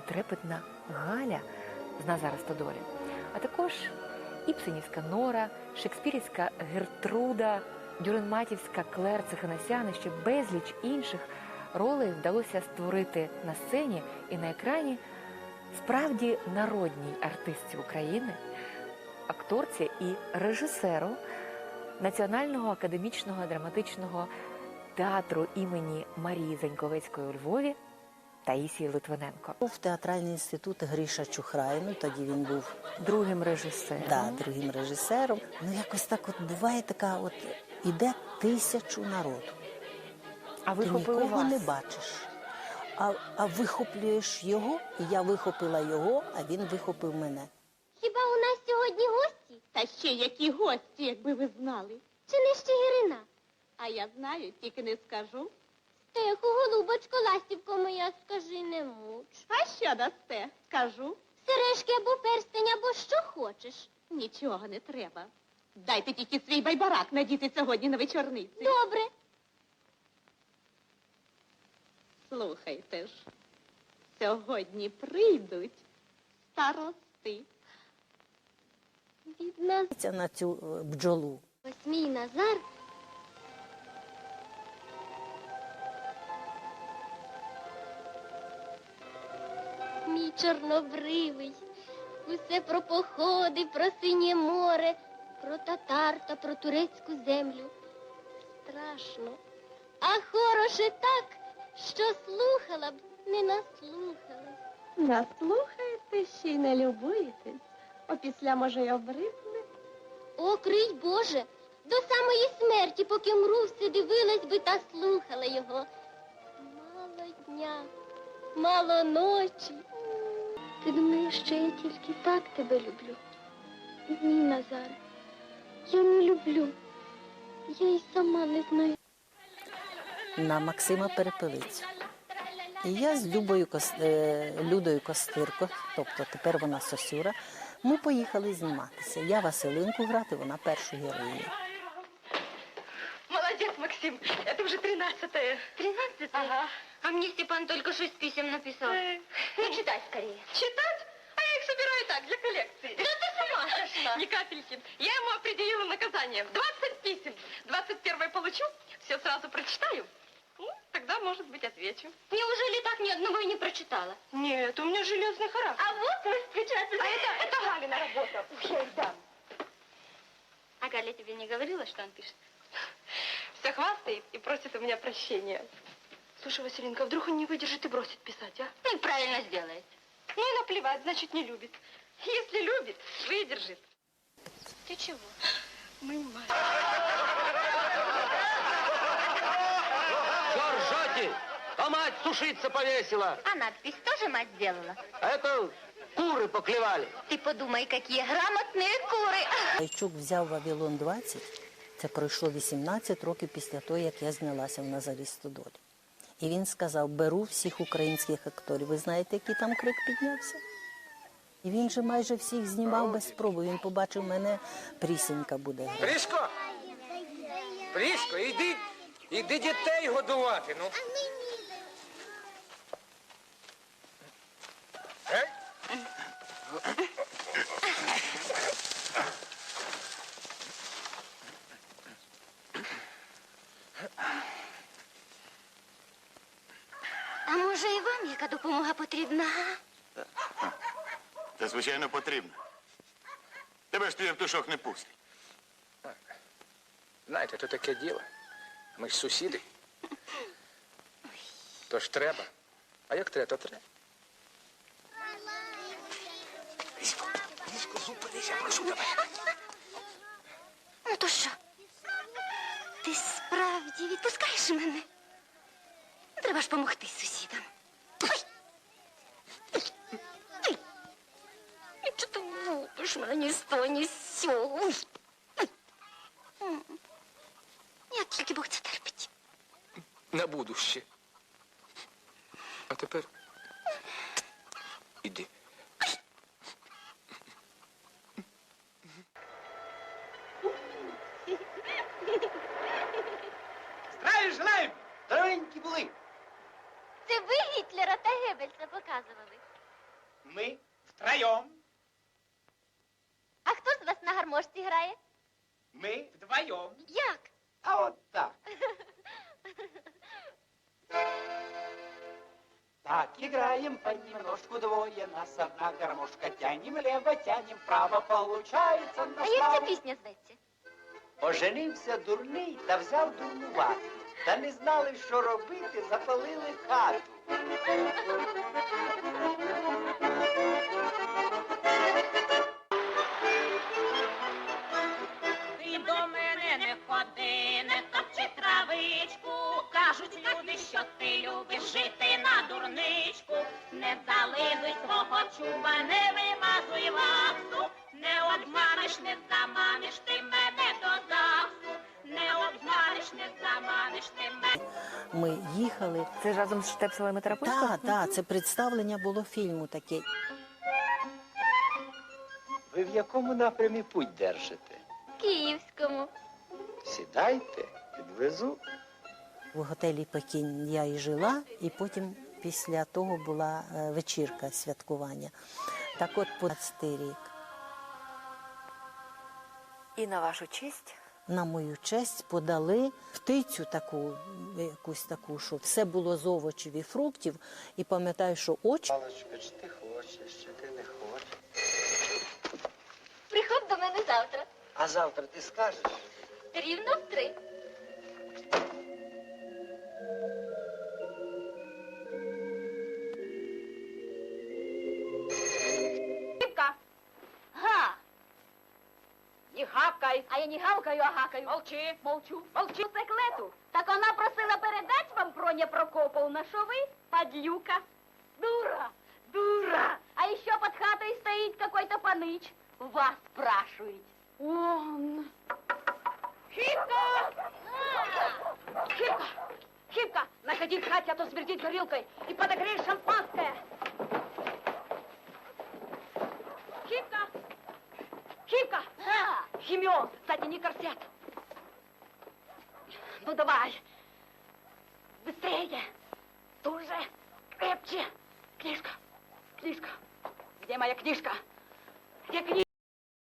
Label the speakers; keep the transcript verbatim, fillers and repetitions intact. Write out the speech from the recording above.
Speaker 1: трепетна Галя з Назара Стодолі, а також Іпсенівська Нора, шекспірівська Гертруда, дюренматівська Клер Цеханасян і ще безліч інших ролей вдалося створити на сцені і на екрані справді народній артистці України, акторці і режисеру Національного академічного драматичного театру імені Марії Заньковецької у Львові Таїсії Литвиненко.
Speaker 2: Був театральний інститут Гріша Чухрай, ну тоді він був
Speaker 1: Другим режисером.
Speaker 2: да, другим режисером. Ну якось так от буває така, от іде тисячу народу.
Speaker 1: А
Speaker 2: Ти
Speaker 1: вихопили
Speaker 2: нікого
Speaker 1: вас.
Speaker 2: не бачиш. А, а вихоплюєш його, і я вихопила його, а він вихопив мене.
Speaker 3: Хіба у нас сьогодні гості?
Speaker 4: Та ще які гості, якби ви знали.
Speaker 3: Чи не Щегирина?
Speaker 4: А я знаю, тільки не скажу.
Speaker 3: Стеху, голубочко, ластівко моя, скажи, не муч.
Speaker 4: А що дасте? Скажу.
Speaker 3: Сережки або перстень, або що хочеш.
Speaker 4: Нічого не треба. Дайте тільки свій байбарак надіти сьогодні на вечорниці.
Speaker 3: Добре.
Speaker 4: Слухайте ж, сьогодні прийдуть старости.
Speaker 3: Від нас
Speaker 2: Це на цю е, бджолу.
Speaker 3: ось мій Назар. Мій чорнобривий. Усе про походи, про синє море, про татар та про турецьку землю. Страшно. А хороше так, що слухала б, не наслухалась.
Speaker 4: Наслухаєте, ще й не любуєтесь. Опісля, може, й обридне.
Speaker 3: О, крий Боже, до самої смерті, поки мру, все дивилась би та слухала його. Мало дня, мало ночі. Ти думаєш, що я тільки так тебе люблю? Ні, Назар, я не люблю. Я й сама не знаю.
Speaker 2: На Максима Перепелицю. І я з Любою Кос... е, Людою Костирко, тобто тепер вона Сосюра, ми поїхали зніматися. Я Василинку грати, вона першу героїню.
Speaker 5: Молодец, Максим. Это уже тринадцатое.
Speaker 3: Тринадцатый?
Speaker 5: Ага.
Speaker 3: А мне Степан только шесть писем написал.
Speaker 5: Э.
Speaker 3: Ну, читай скорее.
Speaker 5: Читать? А я их собираю так, для коллекции.
Speaker 3: Да ты сама сошла.
Speaker 5: Ни капельки. Я ему определила наказание. двадцать писем. двадцать первое получу, все сразу прочитаю. Ну, тогда, может быть, отвечу.
Speaker 3: Неужели так ни одного и не прочитала?
Speaker 5: Нет, у меня железный характер.
Speaker 3: А вот мы встречаться.
Speaker 5: А это, это Галина работа. Уж я ей дам.
Speaker 3: А Галя тебе не говорила, что он пишет?
Speaker 5: Все хвастает и просит у меня прощения. Слушай, Василинка, вдруг он не выдержит и бросит писать, а?
Speaker 3: Ну, правильно сделает.
Speaker 5: Ну и наплевать, значит, не любит. Если любит, выдержит.
Speaker 3: Ты чего?
Speaker 5: Мы мать.
Speaker 6: Что ржете? А мать сушиться повесила.
Speaker 3: А надпись тоже мать сделала?
Speaker 6: А это куры поклевали.
Speaker 3: Ты подумай, какие грамотные куры.
Speaker 2: Гайчук взяв «Вавилон двадцять», це пройшло вісімнадцять років після того, як я знялася в Назарі Стодолі. І він сказав, беру всіх українських акторів. Ви знаєте, який там крик піднявся? І він же майже всіх знімав без спроби. Він побачив мене, Прісенька буде грати.
Speaker 7: Прісько! Прісько, іди, іди дітей годувати, ну. Гей?
Speaker 3: А може і вам яка допомога потрібна?
Speaker 8: Та, звичайно, потрібно. Тебе ж твій Євтушок не пустить.
Speaker 7: Знаєте, то таке діло. Ми ж сусіди. Тож треба. А як треба, то треба. Прісько, зупинися, прошу тебе.
Speaker 3: Ну то що? Ти справді відпускаєш мене? Треба ж помогти сусідам. Ой! І чи ти лупиш мене ні з того, ні з сього? Ой! Ой! Як тільки Бог це терпить.
Speaker 7: На будуще. А тепер іди.
Speaker 9: Здравия желаем! Здоровенькі були!
Speaker 3: Це ви Гітлера та Геббельса показували?
Speaker 9: Мы втроем.
Speaker 3: А хто з вас на гармошці грає?
Speaker 9: Мы вдвоем.
Speaker 3: Як?
Speaker 9: А вот так. Так, играем понемножку двое, нас одна гармошка. Тянем лево, тянем вправо, получается
Speaker 3: А
Speaker 9: на
Speaker 3: як ця
Speaker 9: славу.
Speaker 3: пісня зветься?
Speaker 9: Оженився дурний та взяв дурнувату. Та не знали, що робити, запалили хату.
Speaker 5: Ти до мене не ходи, не топчи травичку. Кажуть люди, що ти любиш жити на дурничку. Не зализуй свого чуба, не вимазуй ваксу. Не обманеш, не заманиш ти мене до ЗАГСу. Не обманеш, не заманиш ти мене.
Speaker 2: Ми їхали.
Speaker 1: Це ж разом з Штепселем і Тарапинським?
Speaker 2: Так, так, це представлення було фільму таке.
Speaker 9: Ви в якому напрямі путь держите?
Speaker 3: Київському.
Speaker 9: Сідайте, підвезу.
Speaker 2: В готелі Пекін я і жила, і потім після того була е, вечірка святкування. Так от по двадцятий рік.
Speaker 1: І на вашу честь
Speaker 2: На мою честь подали птицю таку, якусь таку, що все було з овочів і фруктів. І пам'ятаю, що очі
Speaker 9: Палочка, чи ти хочеш, чи ти не хочеш?
Speaker 3: Приходь до мене завтра.
Speaker 9: А завтра ти скажеш?
Speaker 3: Рівно в три.
Speaker 5: Гибка!
Speaker 3: Га!
Speaker 5: Не гавкай!
Speaker 3: А я не гавкаю, а гакаю.
Speaker 5: Молчи!
Speaker 3: Молчу.
Speaker 5: Молчи, циклету!
Speaker 3: Так вона просила передати вам Проня Прокоповна, що ви подлюка. Дура, дура. А еще под хатой стоит какой-то паныч. Вас спрашивает.
Speaker 5: Он! Хипка! Хипка! Хипка! Находи в хате, а то смердит горилкой. И подогрей шампанское. Хипка! Хипка!
Speaker 3: А,
Speaker 5: Химиоз, кстати, не корсет. Ну давай. Быстрее. Туже. Крепче. Книжка. Книжка. Где моя книжка? Где книжка?